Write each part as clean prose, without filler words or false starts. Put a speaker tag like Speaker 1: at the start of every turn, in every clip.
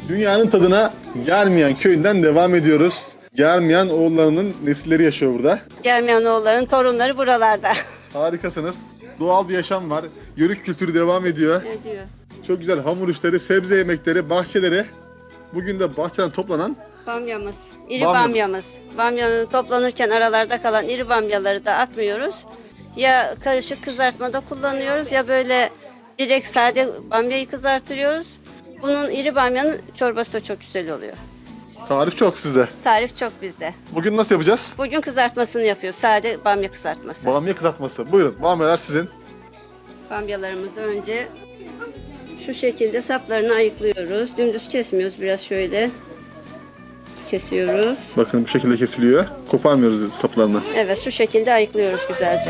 Speaker 1: Dünyanın tadına Germiyan köyünden devam ediyoruz. Germiyan oğullarının nesilleri yaşıyor burada.
Speaker 2: Germiyanoğulların torunları buralarda.
Speaker 1: Harikasınız. Doğal bir yaşam var. Yörük kültürü devam ediyor.
Speaker 2: Ne diyor?
Speaker 1: Çok güzel hamur işleri, sebze yemekleri, bahçeleri. Bugün de bahçeden toplanan
Speaker 2: Bamyamız, iri
Speaker 1: Bamyamız.
Speaker 2: bamyamız. Bamyanın toplanırken aralarda kalan iri bamyaları da atmıyoruz. Ya karışık kızartmada kullanıyoruz ya böyle direkt sade bamyayı kızartıyoruz. Bunun iri bamyanın çorbası da çok güzel oluyor.
Speaker 1: tarif çok sizde.
Speaker 2: Tarif çok bizde.
Speaker 1: Bugün nasıl yapacağız?
Speaker 2: Bugün kızartmasını yapıyoruz. Sade bamya kızartması.
Speaker 1: Bamya kızartması. Buyurun, bamyalar sizin.
Speaker 2: Bamyalarımızı önce şu şekilde saplarını ayıklıyoruz. Dümdüz kesmiyoruz, biraz şöyle kesiyoruz.
Speaker 1: Bakın bu şekilde kesiliyor. Koparmıyoruz saplarını.
Speaker 2: Evet, şu şekilde ayıklıyoruz güzelce.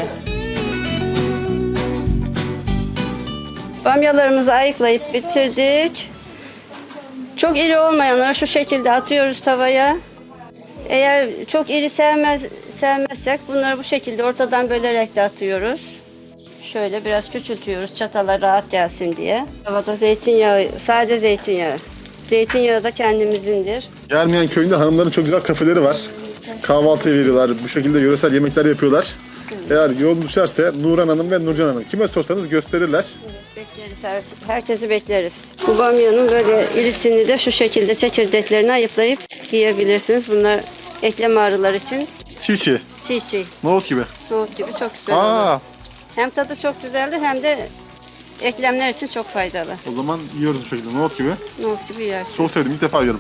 Speaker 2: Bamyalarımızı ayıklayıp bitirdik. Çok iri olmayanları şu şekilde atıyoruz tavaya. Eğer çok iri sevmezsek bunları bu şekilde ortadan bölerek de atıyoruz. Şöyle biraz küçültüyoruz çatala rahat gelsin diye. Tavada zeytinyağı, sade zeytinyağı. Zeytinyağı da kendimizindir.
Speaker 1: Germiyan köyünde hanımların çok güzel kafeleri var. Kahvaltı veriyorlar. Bu şekilde yöresel yemekler yapıyorlar. Eğer yol düşerse Nurhan Hanım ve Nurcan Hanım kime sorsanız gösterirler.
Speaker 2: Bekleriz, herkesi bekleriz. Bu bamyanın böyle irisini de şu şekilde çekirdeklerini ayıplayıp yiyebilirsiniz. Bunlar eklem ağrılar için
Speaker 1: Çiğ.
Speaker 2: çiğ
Speaker 1: Nohut gibi.
Speaker 2: nohut gibi çok güzel olur.
Speaker 1: Aa,
Speaker 2: Hem tadı çok güzeldir hem de eklemler için çok faydalı.
Speaker 1: o zaman yiyoruz bu şekilde nohut gibi.
Speaker 2: Nohut gibi yersin.
Speaker 1: Çok sevdim, ilk defa yiyorum.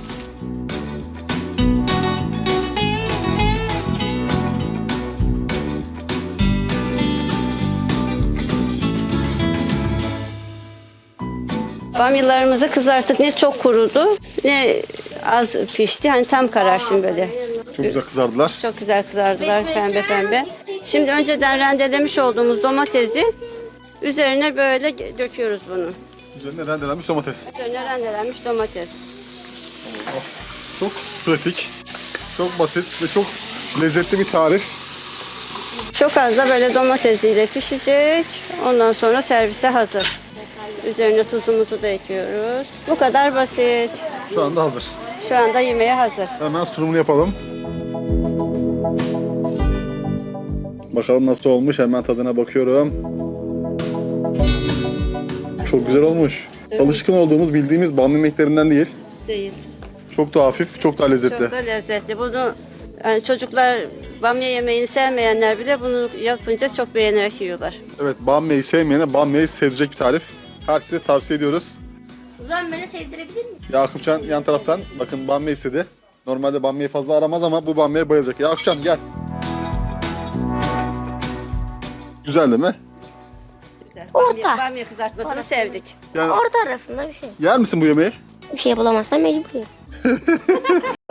Speaker 2: Bamyalarımızı kızarttık. Ne çok kurudu ne az pişti. Hani tam karar şimdi böyle.
Speaker 1: Çok güzel kızardılar.
Speaker 2: Çok güzel kızardılar pembe pembe. Şimdi önceden rendelemiş olduğumuz domatesi üzerine böyle döküyoruz bunu.
Speaker 1: Üzerine rendelenmiş domates.
Speaker 2: Üzerine rendelenmiş domates.
Speaker 1: Çok pratik, çok basit ve çok lezzetli bir tarif.
Speaker 2: Çok az da böyle domatesiyle pişecek. Ondan sonra servise hazır. Üzerine tuzumuzu da ekliyoruz. Bu kadar basit.
Speaker 1: Şu anda hazır.
Speaker 2: Şu anda yemeğe hazır.
Speaker 1: Hemen sunumunu yapalım. Bakalım nasıl olmuş. Hemen tadına bakıyorum. Çok güzel olmuş. Alışkın olduğumuz, bildiğimiz bamya yemeklerinden değil.
Speaker 2: Değil.
Speaker 1: Çok da hafif, çok daha lezzetli.
Speaker 2: Çok da lezzetli. Bunu yani çocuklar bamya yemeğini sevmeyenler bile bunu yapınca çok beğenerek yiyorlar.
Speaker 1: Evet, bamyayı sevmeyene bamyayı sevecek bir tarif. Herkese tavsiye ediyoruz.
Speaker 3: O zaman beni sevdirebilir misin?
Speaker 1: Yakupcan yan taraftan bakın bamya istedi. Normalde bamyayı fazla aramaz ama bu bamyaya bayılacak. Yakupcan gel. Güzel değil mi?
Speaker 2: Güzel.
Speaker 3: Orta.
Speaker 2: Bamya kızartmasını sevdik.
Speaker 1: Yani
Speaker 3: Orta arasında bir şey.
Speaker 1: yer misin bu yemeği?
Speaker 3: Bir şey bulamazsam mecbur yerim.